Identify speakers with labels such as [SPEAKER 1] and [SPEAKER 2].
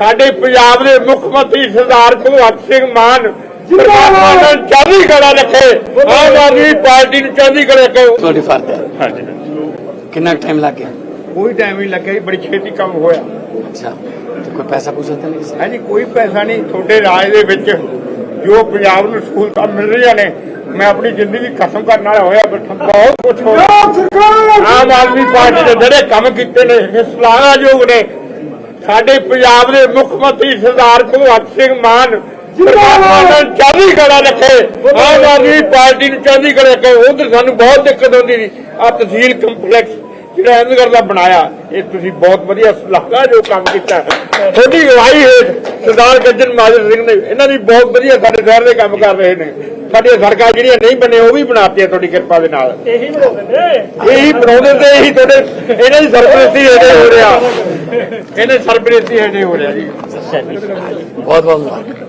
[SPEAKER 1] ਸਾਡੇ ਪੰਜਾਬ ਦੇ ਮੁੱਖ ਮੰਤਰੀ ਸਰਦਾਰ ਭਗਵੰਤ ਸਿੰਘ ਮਾਨ ਚੜ੍ਹਦੀ ਕਲਾ ਰੱਖੇ, ਆਮ ਆਦਮੀ ਪਾਰਟੀ ਨੂੰ ਚੜ੍ਹਦੀ ਕਲਾ ਰੱਖੇ।
[SPEAKER 2] ਤੁਹਾਡੀ ਫਰਜ਼ ਹੈ।
[SPEAKER 1] ਹਾਂਜੀ,
[SPEAKER 2] ਕਿੰਨਾ ਟਾਈਮ ਲੱਗ ਗਿਆ?
[SPEAKER 1] ਕੋਈ ਟਾਈਮ ਨਹੀਂ ਲੱਗਿਆ ਜੀ, ਬੜੀ ਛੇਤੀ ਕੰਮ ਹੋਇਆ।
[SPEAKER 2] ਅੱਛਾ, ਤੇ ਕੋਈ ਪੈਸਾ ਪੂਸਾ ਤਾਂ ਨਹੀਂ?
[SPEAKER 1] ਹਾਂਜੀ, ਕੋਈ ਪੈਸਾ ਨਹੀਂ। ਤੁਹਾਡੇ ਰਾਜ ਦੇ ਵਿੱਚ ਜੋ ਪੰਜਾਬ ਨੂੰ ਸਹੂਲਤਾਂ ਮਿਲ ਰਹੀਆਂ ਨੇ, ਮੈਂ ਆਪਣੀ ਜ਼ਿੰਦਗੀ ਖਤਮ ਕਰਨ ਵਾਲਾ ਹੋਇਆ ਬੈਠਾ। ਬਹੁਤ ਕੁਛ ਹੋਇਆ। ਆਮ ਆਦਮੀ ਪਾਰਟੀ ਦੇ ਜਿਹੜੇ ਕੰਮ ਕੀਤੇ ਨੇ ਇਹ ਸ਼ਲਾਘਾਯੋਗ ਨੇ। ਸਾਡੇ ਪੰਜਾਬ ਦੇ ਮੁੱਖ ਮੰਤਰੀ ਸਰਦਾਰ ਭਗਵੰਤ ਸਿੰਘ ਮਾਨ ਚੜ੍ਹਦੀ ਕਲਾ ਰੱਖੇ, ਆਮ ਆਦਮੀ ਪਾਰਟੀ ਨੂੰ ਚੜ੍ਹਦੀ ਕਲਾ ਰੱਖੇ। ਉਧਰ ਸਾਨੂੰ ਬਹੁਤ ਦਿੱਕਤ ਆਉਂਦੀ ਸੀ। ਆ ਤਹਿਸੀਲ ਕੰਪਲੈਕਸ ਜਿਹੜਾ ਅਹਿਮਦਗੜ੍ਹ ਦਾ ਬਣਾਇਆ, ਇਹ ਤੁਸੀਂ ਬਹੁਤ ਵਧੀਆ ਸ਼ਲਾਘਾਯੋਗ ਕੰਮ ਕੀਤਾ। ਤੁਹਾਡੀ ਅਗਵਾਈ ਹੇਠ ਸਰਦਾਰ ਗੱਜਣ ਮਾਜਰ ਸਿੰਘ ਨੇ, ਇਹਨਾਂ ਦੀ ਬਹੁਤ ਵਧੀਆ ਸਾਡੇ ਸ਼ਹਿਰ ਦੇ ਕੰਮ ਕਰ ਰਹੇ ਨੇ। ਸਾਡੀਆਂ ਸੜਕਾਂ ਜਿਹੜੀਆਂ ਨਹੀਂ ਬਣੇ ਉਹ ਵੀ ਬਣਾਤੀਆਂ ਤੁਹਾਡੀ ਕਿਰਪਾ ਦੇ ਨਾਲ। ਇਹੀ ਬਣਾਉਂਦੇ ਤੇ ਇਹੀ ਤੁਹਾਡੇ ਇਹਨਾਂ ਦੀ ਸਰਪ੍ਰਸਤੀ ਹੇਠ ਹੋ ਰਿਹਾ, ਇਹਨਾਂ ਦੀ ਸਰਪ੍ਰਸਤੀ ਹੇਠ ਹੋ ਰਿਹਾ ਜੀ।
[SPEAKER 2] ਬਹੁਤ ਬਹੁਤ